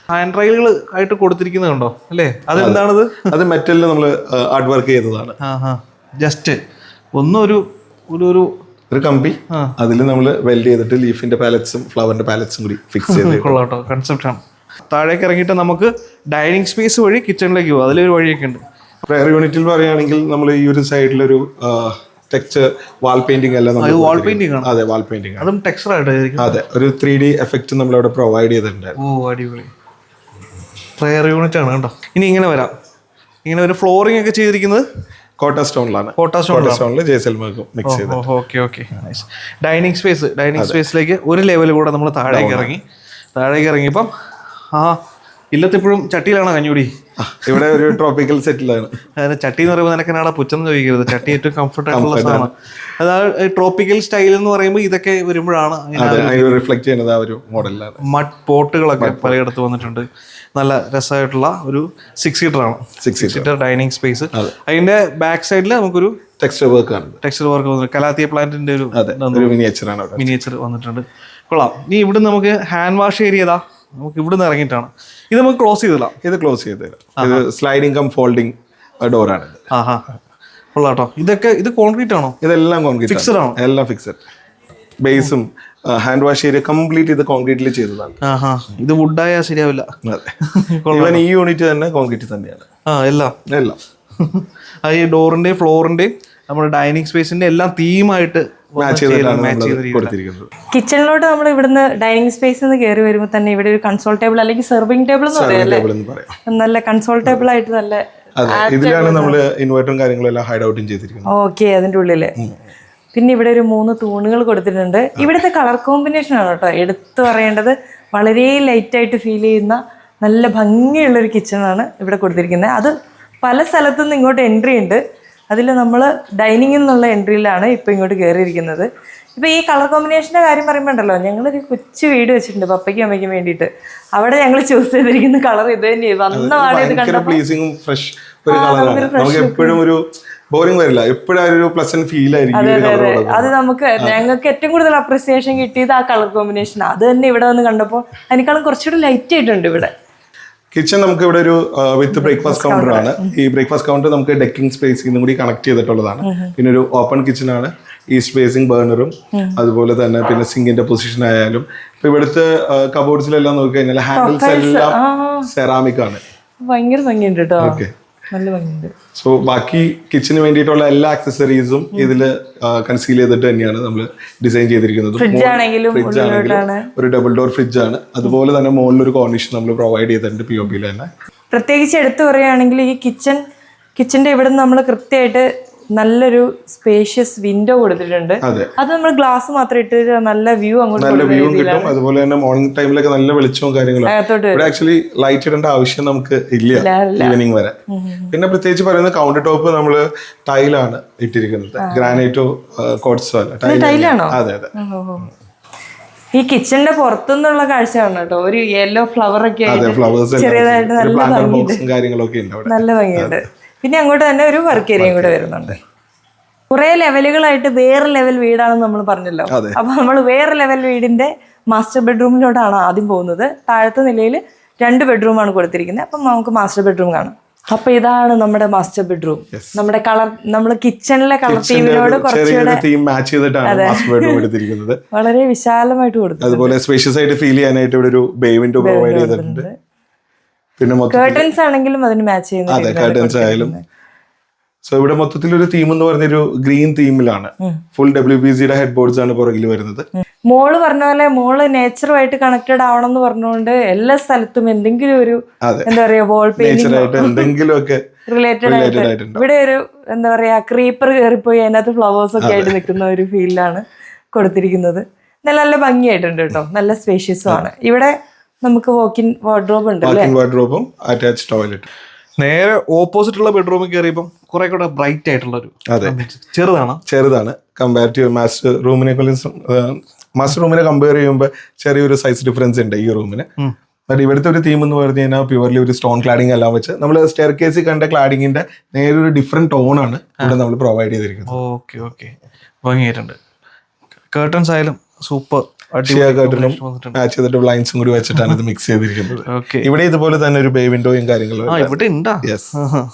A: ഹാൻഡ് റൈലുകൾ ആയിട്ട് കൊടുത്തിരിക്കുന്നത് കണ്ടോ അല്ലേ? അതെന്താണത്?
E: അത് മെറ്റലിൽ നമ്മൾ ആർട്ട് വർക്ക് ചെയ്തതാണ്.
A: ആ ഹാ ജസ്റ്റ് ഒന്നും ഒരു ഒരു ഒരു
E: ഒരു കമ്പി അതിൽ നമ്മൾ വെൽഡ് ചെയ്തിട്ട് ലീഫിന്റെ പാലറ്റ്സും ഫ്ലവറിന്റെ പാലറ്റ്സും കൂടി ഫിക്സ് ചെയ്ത്
A: കൊള്ളാട്ടോ കൺസെപ്റ്റ് ആണ്. താഴേക്ക് ഇറങ്ങിയിട്ട് നമുക്ക് ഡൈനിങ് സ്പേസ് വഴി കിച്ചണിലേക്ക് പോകും. അതിലൊരു വഴിയൊക്കെ ഉണ്ട്.
E: പ്രയർ യൂണിറ്റിൽ പറയുകയാണെങ്കിൽ നമ്മൾ ഈ ഒരു സൈഡിലൊരു ടെക്സ്ചർ വാൾ പെയിന്റിംഗ് എല്ലാം
A: വാൾ പെയിന്റിംഗ് ആണ്.
E: അതെ വാൾ പെയിന്റിംഗ്
A: അതും ടെക്സ്ചർ ആയിട്ട്.
E: അതെ ഒരു ത്രീ ഡി എഫക്റ്റ് നമ്മൾ അവിടെ പ്രൊവൈഡ് ചെയ്തിട്ടുണ്ടായിരുന്നു.
A: ഓ അടിപൊളി പ്രയർ യൂണിറ്റ് ആണ് കേട്ടോ. ഇനി ഇങ്ങനെ വരാം. ഇങ്ങനെ ഒരു ഫ്ലോറിംഗ് ഒക്കെ ചെയ്തിരിക്കുന്നത്
E: കോട്ട സ്റ്റോണിലാണ്.
A: കോട്ട
E: സ്റ്റോണിൽ ജെയ്സൽമേർക്കും മിക്സ് ചെയ്ത്.
A: Okay okay dining space dining സ്പേസിലേക്ക് ഒരു ലെവൽ കൂടെ നമ്മൾ താഴേക്ക് ഇറങ്ങി. താഴേക്ക് ഇറങ്ങിയപ്പം ആ ഇല്ലത്തിപ്പോഴും ചട്ടിയിലാണോ കഞ്ഞൂടി?
E: ഇവിടെ ഒരു ട്രോപ്പിക്കൽ സെറ്റിലാണ്.
A: അതായത് ചട്ടി എന്ന് പറയുമ്പോൾ നിനക്ക് എന്നാടാ പുച്ഛം ചോദിക്കരുത്. ചട്ടി ഏറ്റവും കംഫർട്ട് ആയിട്ടുള്ള സാധനം. അതായത് ട്രോപ്പിക്കൽ സ്റ്റൈൽ എന്ന് പറയുമ്പോൾ ഇതൊക്കെ വരുമ്പോഴാണ്
E: റിഫ്ലക്ട് ചെയ്യുന്നത് ആ ഒരു മോഡലിലാണ്.
A: മഡ് പോട്ടുകളൊക്കെ പലയിടത്ത് വന്നിട്ടുണ്ട്. നല്ല രസമായിട്ടുള്ള ഒരു സിക്സ് സീറ്റർ ആണ്. Six seater dining space. അതിന്റെ ബാക്ക് സൈഡിൽ നമുക്കൊരു
E: ടെക്സ്ചർ വർക്ക് ആണ്.
A: ടെക്സ്ചർ വർക്ക് വന്നിട്ട് കലാത്തിയ പ്ലാന്റിന്റെ ഒരു
E: മിനിയേച്ചർ ആണ്.
A: മിനിയേച്ചർ വന്നിട്ടുണ്ട്. കൊള്ളാം. ഇനി ഇവിടെ നമുക്ക് ഹാൻഡ് വാഷ് ഏരിയതാ നമുക്ക് ഇവിടുന്ന് ഇറങ്ങിയിട്ടാണ്. ഇത് നമുക്ക് ക്ലോസ് ചെയ്തില്ല.
E: ഇത് ക്ലോസ് ചെയ്തില്ല. ഇത് സ്ലൈഡിംഗ് കം ഫോൾഡിംഗ് ഡോറാണ്.
A: ആഹാ കൊള്ളാട്ടോ. ഇതൊക്കെ ഇത് കോൺക്രീറ്റ് ആണോ?
E: ഇതെല്ലാം കോൺക്രീറ്റ്
A: ഫിക്സഡ് ആണോ?
E: എല്ലാം ഫിക്സഡ്. ബേസും ഹാൻഡ് വാഷ് ഏരിയ കംപ്ലീറ്റ് ഇത് കോൺക്രീറ്റിൽ ചെയ്തതാണ്.
A: ആഹാ ഇത് വുഡായാൽ ശരിയാവില്ല.
E: അതെ ഈ യൂണിറ്റ് തന്നെ കോൺക്രീറ്റ് തന്നെയാണ്.
A: ആ എല്ലാം
E: എല്ലാം
A: ഈ ഡോറിന്റെയും ഫ്ലോറിന്റെയും നമ്മുടെ ഡൈനിങ് സ്പേസിന്റെ എല്ലാം തീമായിട്ട്
D: കിച്ചണിലോട്ട് നമ്മൾ ഇവിടുന്ന് ഡൈനിങ് സ്പേസ് നിന്ന് കയറി വരുമ്പോൾ തന്നെ ഇവിടെ ഒരു കൺസോൾ ടേബിൾ അല്ലെങ്കിൽ സെർവിംഗ് ടേബിൾ എന്ന് പറയല്ലേ, നല്ല കൺസോൾ ടേബിൾ ആയിട്ട് നല്ല
E: ഇതിലാണ് നമ്മള് ഇൻവെർട്ടറും കാര്യങ്ങളെല്ലാം ഹൈഡ് ഔട്ടും ചെയ്തിരിക്കുന്നത്.
D: ഓക്കെ അതിന്റെ ഉള്ളില് പിന്നെ ഇവിടെ ഒരു മൂന്ന് തൂണുകൾ കൊടുത്തിട്ടുണ്ട്. ഇവിടുത്തെ കളർ കോമ്പിനേഷൻ ആണ് കേട്ടോ എടുത്തു പറയേണ്ടത്. വളരെ ലൈറ്റ് ആയിട്ട് ഫീൽ ചെയ്യുന്ന നല്ല ഭംഗിയുള്ളൊരു കിച്ചണാണ് ഇവിടെ കൊടുത്തിരിക്കുന്നത്. അത് പല സ്ഥലത്തുനിന്ന് ഇങ്ങോട്ട് എൻട്രി ഉണ്ട്. അതിൽ നമ്മൾ ഡൈനിങ്ങിൽ നിന്നുള്ള എൻട്രിയിലാണ് ഇപ്പോൾ ഇങ്ങോട്ട് കയറിയിരിക്കുന്നത്. ഇപ്പോൾ ഈ കളർ കോമ്പിനേഷൻ്റെ കാര്യം പറയുമ്പോൾ ഉണ്ടല്ലോ, ഞങ്ങളൊരു കൊച്ചു വീട് വെച്ചിട്ടുണ്ട് പപ്പയ്ക്കും അമ്മയ്ക്കും വേണ്ടിയിട്ട്. അവിടെ ഞങ്ങൾ ചൂസ് ചെയ്തിരിക്കുന്ന കളർ ഇത് തന്നെയാണ്. വന്ന പാടെ ഇത് കണ്ടപ്പോൾ
E: എപ്പോഴും ഒരു ബോറിംഗ് വരില്ല, എപ്പോഴും ഒരു പ്ലസന്റ് ഫീൽ ആയിരിക്കും.
D: അത് നമുക്ക് ഞങ്ങൾക്ക് ഏറ്റവും കൂടുതൽ അപ്രിസിയേഷൻ കിട്ടിയത് ആ കളർ കോമ്പിനേഷൻ. അത് തന്നെ ഇവിടെ വന്ന് കണ്ടപ്പോൾ അതിനേക്കാളും കുറച്ചുകൂടി ലൈറ്റ് ആയിട്ടുണ്ട് ഇവിടെ.
E: കിച്ചൺ നമുക്ക് ഇവിടെ ഒരു വിത്ത് ബ്രേക്ക്ഫാസ്റ്റ് കൗണ്ടർ ആണ്. ഈ ബ്രേക്ക്ഫാസ്റ്റ് കൗണ്ടർ നമുക്ക് ഡെക്കിംഗ് സ്പേസിൽ കൂടി കണക്ട് ചെയ്തിട്ടുള്ളതാണ്. പിന്നെ ഒരു ഓപ്പൺ കിച്ചൺ ആണ്. ഈ സ്പേസിംഗ് ബേർണറും അതുപോലെ തന്നെ പിന്നെ സിങ്കിന്റെ പൊസിഷൻ ആയാലും ഇപ്പൊ ഇവിടുത്തെ കബോർഡ്സിലെല്ലാം നോക്കി കഴിഞ്ഞാൽ ഹാൻഡിൽസ് എല്ലാം സെറാമിക് ആണ്.
D: ഭയങ്കര ഭംഗിയുണ്ട് കേട്ടോ. നല്ല ഭംഗിയുണ്ട്.
E: സോ ബാക്കി കിച്ചന് വേണ്ടിയിട്ടുള്ള എല്ലാ ആക്സസറീസും ഇതില് കൺസീൽ ചെയ്തിട്ട് തന്നെയാണ് നമ്മൾ ഡിസൈൻ ചെയ്തിരിക്കുന്നത്.
D: ഫ്രിഡ്ജ് ആണെങ്കിലും
E: ഒരു ഡബിൾ ഡോർ ഫ്രിഡ്ജ് ആണ്. അതുപോലെ തന്നെ മുകളിൽ ഒരു കോർണിഷൻ നമ്മൾ പ്രൊവൈഡ് ചെയ്തിട്ടുണ്ട് പി ഒ പിയിൽ തന്നെ.
D: പ്രത്യേകിച്ച് എടുത്തു പറയുകയാണെങ്കിൽ ഈ കിച്ചൺ കിച്ചന്റെ ഇവിടെ നിന്ന് നമ്മൾ കൃത്യമായിട്ട് നല്ലൊരു സ്പേഷ്യസ് വിൻഡോ കൊടുത്തിട്ടുണ്ട്. അത് നമ്മൾ ഗ്ലാസ് മാത്രം ഇട്ട് നല്ല വ്യൂ അങ്ങോട്ട്
E: നല്ല വ്യൂ കിട്ടും. അതുപോലെ തന്നെ മോർണിംഗ് ടൈമിലൊക്കെ നല്ല വെളിച്ചവും കാര്യങ്ങളും. ഇവിടെ ആക്ച്വലി ലൈറ്റ് ഇടേണ്ട ആവശ്യം നമുക്ക് ഇല്ല ഈവനിങ് വരെ. പിന്നെ പ്രത്യേകിച്ച് പറയുന്നത് കൗണ്ടർ ടോപ്പ് നമ്മള് ടൈലാണ് ഇട്ടിരിക്കുന്നത്. ഗ്രാനൈറ്റോ കോട്സോ അല്ല,
D: ടൈലാണോ?
E: അതെ അതെ.
D: ഈ കിച്ചണിന്റെ പുറത്തുനിന്നുള്ള കാഴ്ചയാണ് കേട്ടോ. ഒരു യെല്ലോ ഫ്ലവർ ഒക്കെ ചെറിയതായിട്ട് നല്ല ഭംഗിയുണ്ട്.
E: കാര്യങ്ങളൊക്കെ ഉണ്ട്,
D: നല്ല ഭംഗിയുണ്ട്. പിന്നെ അങ്ങോട്ട് തന്നെ ഒരു വർക്ക് ഏരിയയും കൂടെ വരുന്നുണ്ട്. കുറെ ലെവലുകളായിട്ട് വേറെ ലെവൽ വീടാണെന്ന് നമ്മൾ പറഞ്ഞല്ലോ. അപ്പൊ നമ്മൾ വേറെ ലെവൽ വീടിന്റെ മാസ്റ്റർ ബെഡ്റൂമിലോട്ടാണ് ആദ്യം പോകുന്നത്. താഴത്തെ നിലയിൽ രണ്ട് ബെഡ്റൂമാണ് കൊടുത്തിരിക്കുന്നത്. അപ്പം നമുക്ക് മാസ്റ്റർ ബെഡ്റൂം കാണാം. അപ്പൊ ഇതാണ് നമ്മുടെ മാസ്റ്റർ ബെഡ്റൂം. നമ്മുടെ കളർ നമ്മൾ കിച്ചണിലെ കളർ തീമിനോട്
E: കുറച്ചുകൂടെ
D: വളരെ വിശാലമായിട്ട് കൊടുത്തു.
E: അതുപോലെ സ്പേഷ്യസ് ആയിട്ട് ഫീൽ ചെയ്യാനായിട്ട് ഇവിടെ ഒരു ബേ വിൻഡോ പ്രൊവൈഡ് ചെയ്തിട്ടുണ്ട്. പിന്നെ
D: കർട്ടൻസ് ആണെങ്കിലും അതിന് മാച്ച് ചെയ്യുന്ന
E: കർട്ടൻസ് ആയാലും. സോ ഇവിടെ മൊത്തത്തിൽ ഒരു തീം എന്ന് പറഞ്ഞൊരു ഗ്രീൻ തീമിലാണ്. ഫുൾ ഡബ്ല്യു പി സിയുടെ ഹെഡ് ബോർഡ്സ് ആണ് പുറകിൽ വരുന്നത്.
D: മോള് പറഞ്ഞ പോലെ മോള് നേച്ചറുമായിട്ട് കണക്റ്റഡ് ആവണം എന്ന് പറഞ്ഞുകൊണ്ട് എല്ലാ സ്ഥലത്തും എന്തെങ്കിലും ഒരു എന്താ പറയാ വാൾ പെയിന്റിംഗ്
E: എന്തെങ്കിലുമൊക്കെ
D: റിലേറ്റഡ് ആയിട്ട്. ഇവിടെ ഒരു എന്താ പറയാ ക്രീപ്പർ കയറിപ്പോയി അതിനകത്ത് ഫ്ലവേഴ്സ് ഒക്കെ ആയിട്ട് നിൽക്കുന്ന ഒരു ഫീലാണ് കൊടുത്തിരിക്കുന്നത്. നല്ല നല്ല ഭംഗിയായിട്ടുണ്ട് കേട്ടോ. നല്ല സ്പേഷ്യസും ആണ്. ഇവിടെ നമുക്ക് വാക്കിൻ വാർഡ്രോബ് ഉണ്ട്.
E: വാർഡ്രോബും അറ്റാച്ച്ഡ് ടോയ്ലറ്റ്.
A: നേരെ ഓപ്പോസിറ്റ് ഉള്ള ബെഡ്റൂമിൽ കയറിയപ്പോൾ കുറെ കൂടെ ബ്രൈറ്റ് ആയിട്ടുള്ള ഒരു ചെറുതാണ്
E: ചെറുതാണ് കമ്പാരിറ്റീവ് മാസ്റ്റർ റൂമിനെ മാസ്റ്റർ റൂമിനെ കമ്പയർ ചെയ്യുമ്പോൾ ചെറിയൊരു സൈസ് ഡിഫറൻസ് ഉണ്ട് ഈ റൂമിന്. ബട്ട് ഇവിടുത്തെ ഒരു തീം എന്ന് പറഞ്ഞു കഴിഞ്ഞാൽ പ്യുവർലി ഒരു സ്റ്റോൺ ക്ലാഡിംഗ് എല്ലാം വെച്ച് നമ്മൾ സ്റ്റെയർ കേസിൽ കണ്ട ക്ലാഡിങ്ങിന്റെ നേരെ ഒരു ഡിഫറെന്റ് ടോൺ ആണ് ഇവിടെ നമ്മൾ പ്രൊവൈഡ് ചെയ്തിരിക്കുന്നത്.
A: ഓക്കെ ഓക്കെ ഭംഗിയായിട്ടുണ്ട്. കേർട്ടൻസ് ആയാലും സൂപ്പർ.
E: ഷിയ കർട്ടനും മാച്ച് ചെയ്തിട്ട് ബ്ലൈൻഡ്സും കൂടി വെച്ചിട്ടാണ് ഇത് മിക്സ് ചെയ്തിരിക്കുന്നത്.
A: ഓക്കെ,
E: ഇവിടെ ഇതുപോലെ തന്നെ ഒരു ബേ വിൻഡോയും കാര്യങ്ങളും.
A: ആ ഇവിടെ ഉണ്ടാ.
E: യെസ്,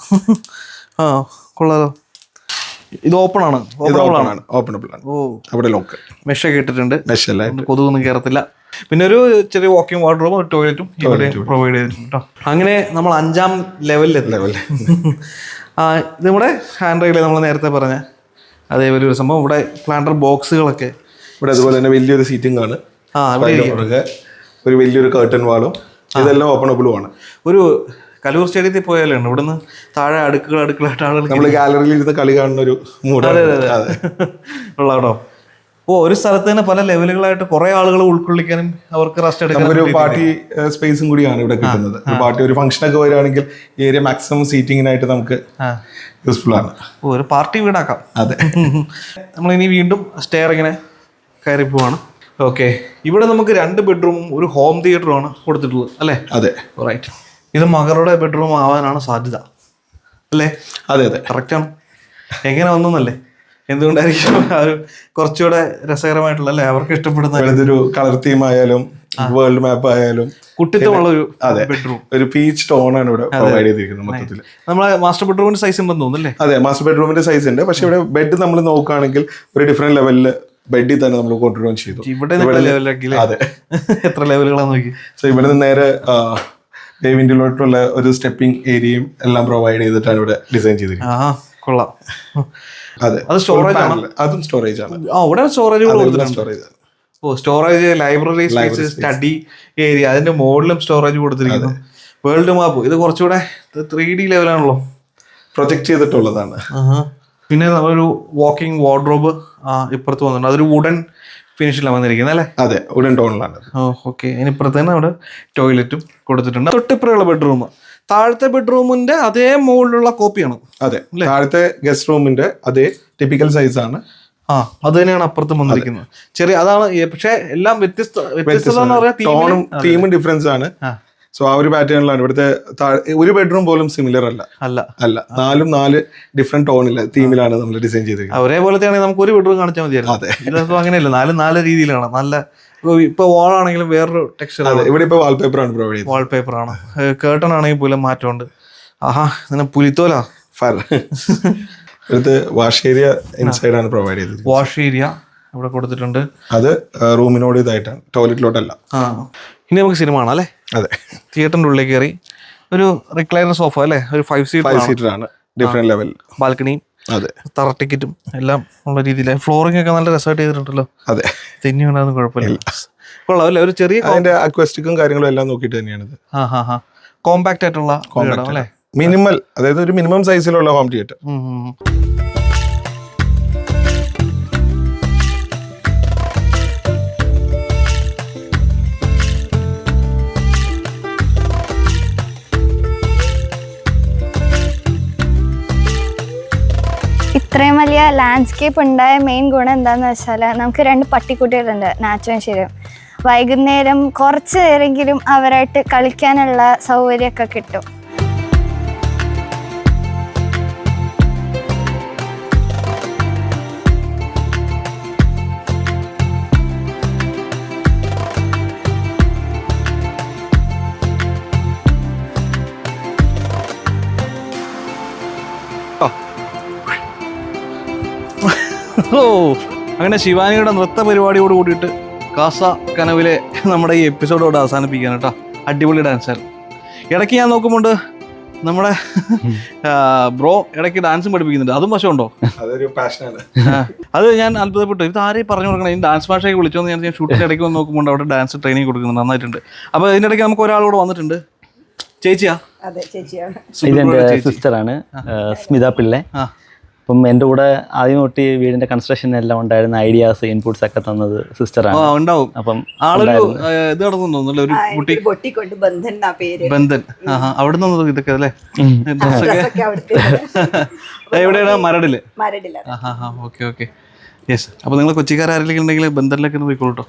A: ആ കൊള്ളാലോ. ഇത് ഓപ്പൺ ആണ്,
E: ഓപ്പണബിൾ ആണ്. ഓപ്പണബിൾ ആണ്.
A: ഓ,
E: അവിടെ ലോക്ക്
A: മെഷൊക്കെ ഇട്ടിട്ടുണ്ട്,
E: മെഷല്ലായിട്ട്.
A: കൊതുകൊന്നും കയറത്തില്ല. പിന്നെ ഒരു ചെറിയ വാക്കിംഗ് വാർഡ്രോബും ഒരു ടോയ്ലറ്റും ഇവിടെ പ്രൊവൈഡ് ചെയ്തിട്ടുണ്ട് കേട്ടോ. അങ്ങനെ നമ്മൾ അഞ്ചാം ലെവലിൽ ലെവൽ ആ ഇത് നമ്മുടെ ഹാൻഡ് റെയിൽ നമ്മൾ നേരത്തെ പറഞ്ഞ അതേപോലെ ഒരു സംഭവം. ഇവിടെ പ്ലാന്റർ ബോക്സുകളൊക്കെ
E: ഇവിടെ അതുപോലെ തന്നെ വലിയൊരു സീറ്റിംഗ് ആണ്.
A: ആ ഇവിടെ
E: ഒരു വലിയൊരു കർട്ടൻ വാളും ഇതെല്ലാം ഓപ്പണബിളും ആണ്.
A: ഒരു കലൂർ സ്റ്റേഡിയത്തിൽ പോയാലാണ് ഇവിടുന്ന് താഴെ അടുക്കള അടുക്കളായിട്ട് ആളുകൾ
E: നമ്മൾ ഗാലറിയിൽ ഇരുന്ന് കളി കാണുന്ന ഒരു മൂഡ്
A: ഉള്ള കേട്ടോ. ഓ, ഒരു സ്ഥലത്ത് തന്നെ പല ലെവലുകളായിട്ട് കുറെ ആളുകൾ ഉൾക്കൊള്ളിക്കാനും അവർക്ക് റെസ്റ്റ് എടുക്കാനും
E: ഒരു പാർട്ടി സ്പേസും കൂടിയാണ് ഇവിടെ കിട്ടുന്നത്. ഒരു പാർട്ടി ഒരു ഫംഗ്ഷൻ ഒക്കെ വരികയാണെങ്കിൽ ഈ ഏരിയ മാക്സിമം സീറ്റിങ്ങിനായിട്ട് നമുക്ക് യൂസ്ഫുൾ ആണ്.
A: ഓ, ഒരു പാർട്ടി വീടാക്കാം.
E: അതെ.
A: നമ്മളിനി വീണ്ടും സ്റ്റെയർ ഇങ്ങനെ കയറി പോവാണ്. ഓക്കെ, ഇവിടെ നമുക്ക് രണ്ട് ബെഡ്റൂമും ഒരു ഹോം തിയേറ്ററും ആണ് കൊടുത്തിട്ടുള്ളത് അല്ലേ?
E: അതെ,
A: റൈറ്റ്. ഇത് മകളുടെ ബെഡ്റൂം ആവാനാണ് സാധ്യത അല്ലേ?
E: അതെ അതെ,
A: കറക്റ്റാണ്. എങ്ങനെ വന്നല്ലേ? എന്തുകൊണ്ടായിരിക്കും ആ ഒരു കുറച്ചുകൂടെ രസകരമായിട്ടുള്ള അല്ലേ, അവർക്ക് ഇഷ്ടപ്പെടുന്ന
E: ഒരു കളർ തീം ആയാലും വേൾഡ് മാപ്പ് ആയാലും
A: കുട്ടിത്തമുള്ള ഒരു
E: അതെ
A: ബെഡ്റൂം,
E: ഒരു പീച്ച് ടോൺ ആണ് ഇവിടെ പ്രൊവൈഡ് ചെയ്തിരിക്കുന്നത് മൊത്തത്തിൽ.
A: നമ്മളെ മാസ്റ്റർ ബെഡ്റൂമിന്റെ സൈസ് ഉണ്ടെന്ന് തോന്നുന്നല്ലേ?
E: അതെ, മാസ്റ്റർ ബെഡ്റൂമിന്റെ സൈസ് ഉണ്ട്. പക്ഷെ ഇവിടെ ബെഡ് നമ്മൾ നോക്കുകയാണെങ്കിൽ ഒരു ഡിഫറെന്റ് ലെവലില് ബെഡിൽ തന്നെ നമ്മൾ കൊണ്ടുവരാൻ ചെയ്തു.
A: ഇവിടെ ലെവലാക്കി.
E: അതെ,
A: എത്ര ലെവലുകളാന്ന് നോക്കി.
E: സോ ഇവിടെ നിന്ന് നേരെ വിൻഡിലോട്ടുള്ള ഒരു സ്റ്റെപ്പിംഗ് ഏരിയയും എല്ലാം പ്രൊവൈഡ് ചെയ്തിട്ടാണ് ഇവിടെ ഡിസൈൻ ചെയ്തിരിക്കുന്നത്.
A: ആ കൊള്ളാം.
E: അതെ,
A: അത് സ്റ്റോറേജ് ആണ്.
E: അതും സ്റ്റോറേജ് ആണ്.
A: ആ, ഇവിടെ സ്റ്റോറേജ്
E: സ്റ്റോറേജ് ആണ്.
A: ഓ, storage, library space, study area, അതിന്റെ മുകളിലും സ്റ്റോറേജ് കൊടുത്തിരിക്കുന്നു. വേൾഡ് മാപ്പ് ഇത് കുറച്ചുകൂടെ ത്രീ ഡി ലെവലാണല്ലോ
E: പ്രൊജക്ട് ചെയ്തിട്ടുള്ളതാണ്.
A: പിന്നെ ഒരു വാക്കിംഗ് വാർഡ്രോബ് ഇപ്പുറത്ത് വന്നിട്ടുണ്ട്. അതൊരു വുഡൻ ഫിനിഷിലാണ് വന്നിരിക്കുന്നത് അല്ലേ?
E: അതെ, വുഡൻ ടോണിലാണ്.
A: ഓ ഓക്കെ. ഇനിപ്പുറത്ത് തന്നെ അവിടെ ടോയ്ലറ്റും കൊടുത്തിട്ടുണ്ട്. തൊട്ടിപ്പുറയുള്ള ബെഡ്റൂം താഴത്തെ ബെഡ്റൂമിന്റെ അതേ മുകളിലുള്ള കോപ്പിയാണ്.
E: അതെ, താഴത്തെ ഗസ്റ്റ് റൂമിന്റെ അതേ ടിപ്പിക്കൽ സൈസ് ആണ്.
A: ആ, അത് തന്നെയാണ് അപ്പുറത്തും വന്നിരിക്കുന്നത്. ചെറിയ അതാണ്. പക്ഷെ എല്ലാം വ്യത്യസ്ത വ്യത്യസ്തത
E: ടോണും തീമും ഡിഫറൻസ് ആണ്. സോ ആ ഒരു പാറ്റേണിലാണ് ഇവിടുത്തെ. ഒരു ബെഡ്റൂം പോലും സിമിലർ അല്ല അല്ല അല്ല നാലും നാല് ഡിഫറെന്റ് ടോണില്ല തീമിലാണ് നമ്മൾ ഡിസൈൻ ചെയ്തിരിക്കുന്നത്.
A: ഒരേപോലത്തെ ആണെങ്കിൽ നമുക്ക് ഒരു ബെഡ്റൂം കാണിച്ചാൽ മതിയായിരുന്നു.
E: അതെ,
A: ഇതൊക്കെ അങ്ങനെയല്ല, നാല് നാല് രീതിയിലാണ്. നല്ല ഇപ്പൊ വാൾ ആണെങ്കിലും വേറൊരു ടെക്സ്ചർ.
E: അതെ, ഇവിടെ ഇപ്പൊ വാൾപേപ്പർ ആണ് പ്രൊവൈഡ് ചെയ്യുന്നത്.
A: വാൾപേപ്പർ ആണ്. കേർട്ടൺ ആണെങ്കിൽ പോലും മാറ്റമുണ്ട്. ആഹാ, ഇങ്ങനെ പുലിത്തോല.
E: ഇവിടുത്തെ വാഷ് ഏരിയ ഇൻസൈഡ് ആണ് പ്രൊവൈഡ് ചെയ്തത്.
A: വാഷ് ഏരിയ ഇവിടെ കൊടുത്തിട്ടുണ്ട്.
E: അത് റൂമിനോട് ഇതായിട്ടാണ്, ടോയ്ലറ്റിലോട്ടല്ല.
A: ആ, ഇനി നമുക്ക് സിനിമ ആണ് അല്ലേ?
E: അതെ,
A: തിയേറ്ററിന്റെ ഉള്ളിൽ കയറി ഒരു റിക്ലൈനർ സോഫ അല്ലേ, ഒരു ഫൈവ് സീറ്റർ
E: ഫൈവ് സീറ്റർ ആണ്. ഡിഫറെന്റ് ലെവൽ
A: ബാൽക്കണിയും
E: അതെ
A: തറ ടിക്കറ്റും എല്ലാം ഉള്ള രീതിയിൽ. ഫ്ലോറിംഗ് ഒക്കെ നല്ല രസമായിട്ട് ചെയ്തിട്ടുണ്ടല്ലോ.
E: അതെ,
A: തെന്നി ഉണ്ടാകുന്ന കുഴപ്പമില്ല. കൊള്ളാം അല്ലേ? ഒരു ചെറിയ
E: അതിന്റെ അക്വസ്റ്റിക്കും കാര്യങ്ങളും എല്ലാം നോക്കിയിട്ട് തന്നെയാണ് ഇത്.
A: ആ ഹാ ഹാ കോമ്പാക്ട് ആയിട്ടുള്ള അല്ലേ?
E: മിനിമൽ, അതായത് ഒരു മിനിമം സൈസിലുള്ള ഹോം തിയേറ്റർ.
C: ഇത്രയും വലിയ ലാൻഡ്സ്കേപ്പ് ഉണ്ടായ മെയിൻ ഗുണം എന്താണെന്ന് വെച്ചാൽ നമുക്ക് രണ്ട് പട്ടിക്കുട്ടികളുണ്ട്, നാച്ചുവും ശരിയും. വൈകുന്നേരം കുറച്ച് നേരമെങ്കിലും അവരായിട്ട് കളിക്കാനുള്ള സൗകര്യമൊക്കെ കിട്ടും.
A: ഓ, അങ്ങനെ ശിവാനിയുടെ നൃത്ത പരിപാടിയോട് കൂടിയിട്ട് കാസ കനവിലെ നമ്മുടെ ഈ എപ്പിസോഡോട് അവസാനിപ്പിക്കാൻ കേട്ടോ. അടിപൊളി ഡാൻസായിരുന്നു. ഇടയ്ക്ക് ഞാൻ നോക്കുമ്പോണ്ട് നമ്മുടെ ബ്രോ ഇടയ്ക്ക് ഡാൻസും പഠിപ്പിക്കുന്നുണ്ട്. അതും വശമുണ്ടോ?
E: അതൊരു പാഷനാണ്.
A: അത് ഞാൻ അത്ഭുതപ്പെട്ടു. ഇത് ആരെയും പറഞ്ഞു കൊടുക്കണം. ഈ ഡാൻസ് ഭാഷയൊക്കെ വിളിച്ചോന്ന് ഞാൻ ഷൂട്ടിൻ്റെ ഇടയ്ക്ക് വന്ന് നോക്കുമ്പോൾ അവിടെ ഡാൻസ് ട്രെയിനിങ് കൊടുക്കുന്നുണ്ട്. നന്നായിട്ടുണ്ട്. അപ്പോൾ ഇതിൻ്റെ ഇടയ്ക്ക് നമുക്ക് ഒരാളോട് വന്നിട്ടുണ്ട്. ചേച്ചിയാ?
F: അതെ, ചേച്ചിയാണ്.
B: ഇതെൻ്റെ സിസ്റ്ററാണ് സ്മിത പിള്ളെ. അപ്പം എൻ്റെ കൂടെ ആദ്യം തൊട്ട് വീടിന്റെ കൺസ്ട്രക്ഷൻ എല്ലാം ഉണ്ടായിരുന്ന ഐഡിയാസ് ഇൻപുട്സ് ഒക്കെ തന്നത് സിസ്റ്ററാണ്.
A: ഉണ്ടാവും.
B: അപ്പം
A: ആളൊരു ഇത് നടന്നുണ്ടോ ഒരു കുട്ടി
F: പൊട്ടിക്കൊണ്ട് ബന്ധൻ എന്നാ പേര്.
A: ബന്ധൻ. അവിടെ നിന്ന് ഇതൊക്കെ അല്ലേ? എവിടെയാണ്? മരടില്.
F: മരടിലാണ്.
A: Okay okay yes. അപ്പൊ നിങ്ങൾ കൊച്ചിക്കാരെങ്കിലും ഉണ്ടെങ്കിൽ ബന്ധനിലേക്ക് ഒന്ന് പോയിക്കോളൂ.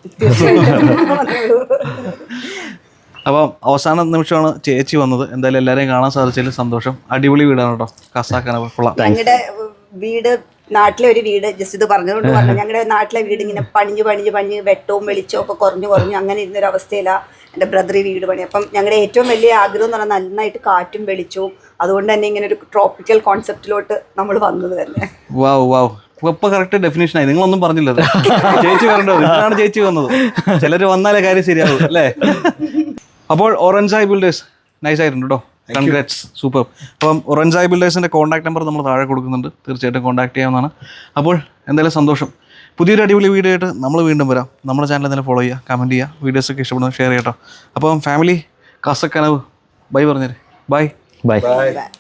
A: അപ്പം അവസാന നിമിഷമാണ് ചേച്ചി വന്നത്. എന്തായാലും എല്ലാവരെയും കാണാൻ സാധിച്ചതിൽ സന്തോഷം. അടിപൊളി വീടാണ് കേട്ടോ. കസാക്കാന കൊള്ളാം.
F: ഞങ്ങളുടെ വീട് നാട്ടിലെ ഒരു വീട് ജസ്റ്റ് ഇത് പറഞ്ഞതുകൊണ്ട് പറഞ്ഞു ഞങ്ങളുടെ നാട്ടിലെ വീട് ഇങ്ങനെ പണിഞ്ഞ് പണിഞ്ഞ് പണിഞ്ഞ് വെട്ടവും വെളിച്ചവും ഒക്കെ കുറഞ്ഞു കുറഞ്ഞു അങ്ങനെ ഇരുന്നൊരു അവസ്ഥയിലാണ് എൻ്റെ ബ്രദർ ഈ വീട് പണി. അപ്പം ഞങ്ങളുടെ ഏറ്റവും വലിയ ആഗ്രഹം എന്ന് പറഞ്ഞാൽ നന്നായിട്ട് കാറ്റും വെളിച്ചവും, അതുകൊണ്ട് തന്നെ ഇങ്ങനെ ഒരു ട്രോപ്പിക്കൽ കോൺസെപ്റ്റിലോട്ട് നമ്മൾ വന്നത് തന്നെ.
A: വാവ് വാവ് ഇപ്പൊ കറക്റ്റ് ഡെഫിനേഷൻ ആയി. നിങ്ങളൊന്നും പറഞ്ഞില്ലത്. ചേച്ചി വരേണ്ടത് ഇതാണ് ചേച്ചി വന്നത്. ചിലർ വന്നാലേ കാര്യം ശരിയാവും അല്ലേ? അപ്പോൾ ഓറഞ്ചായി ബിൽഡേഴ്സ് നൈസ് ആയിട്ടുണ്ട് കേട്ടോ. Congrats, super. അപ്പം ഒറഞ്ചായി ബിൽഡേഴ്സിൻ്റെ കോൺടാക്ട് നമ്പർ നമ്മൾ താഴെ കൊടുക്കുന്നുണ്ട്, തീർച്ചയായിട്ടും കോൺടാക്ട് ചെയ്യാവുന്നതാണ്. അപ്പോൾ എന്തായാലും സന്തോഷം. പുതിയൊരു അടിപൊളി വീഡിയോ ആയിട്ട് നമ്മൾ വീണ്ടും വരാം. നമ്മുടെ ചാനൽ എന്തായാലും ഫോളോ ചെയ്യുക, കമൻറ്റ് ചെയ്യുക, വീഡിയോസൊക്കെ ഇഷ്ടപ്പെടുന്നത് ഷെയർ ചെയ്യട്ടോ. അപ്പം ഫാമിലി കാസക്കനവ് ബൈ പറഞ്ഞേരെ. Bye
B: by.